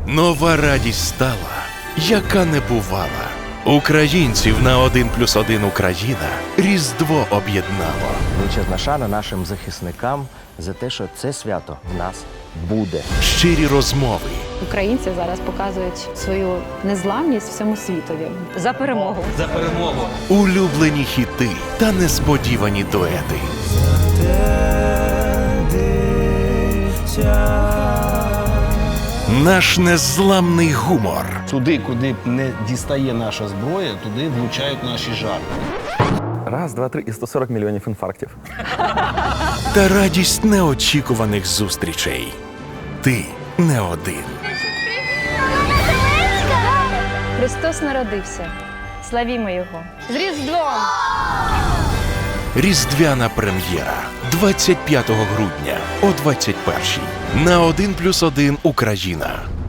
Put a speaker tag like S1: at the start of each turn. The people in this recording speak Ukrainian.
S1: Нова радість стала, яка не бувала. Українців на 1+1 Україна Різдво об'єднало.
S2: Величезна шана нашим захисникам за те, що це свято в нас буде.
S1: Щирі розмови,
S3: Українці зараз показують свою незламність всьому світові. За перемогу!
S4: За перемогу!
S1: улюблені хіти та несподівані дуети. Наш незламний гумор
S5: Туди, куди не дістає наша зброя, туди влучають наші жарти.
S6: Раз, два, три і 140 мільйонів інфарктів.
S1: та радість неочікуваних зустрічей. Ти не один.
S3: Христос народився. Славімо Його! З Різдвом!
S1: Різдвяна прем'єра 25 грудня о 21-й на 1+1 Україна.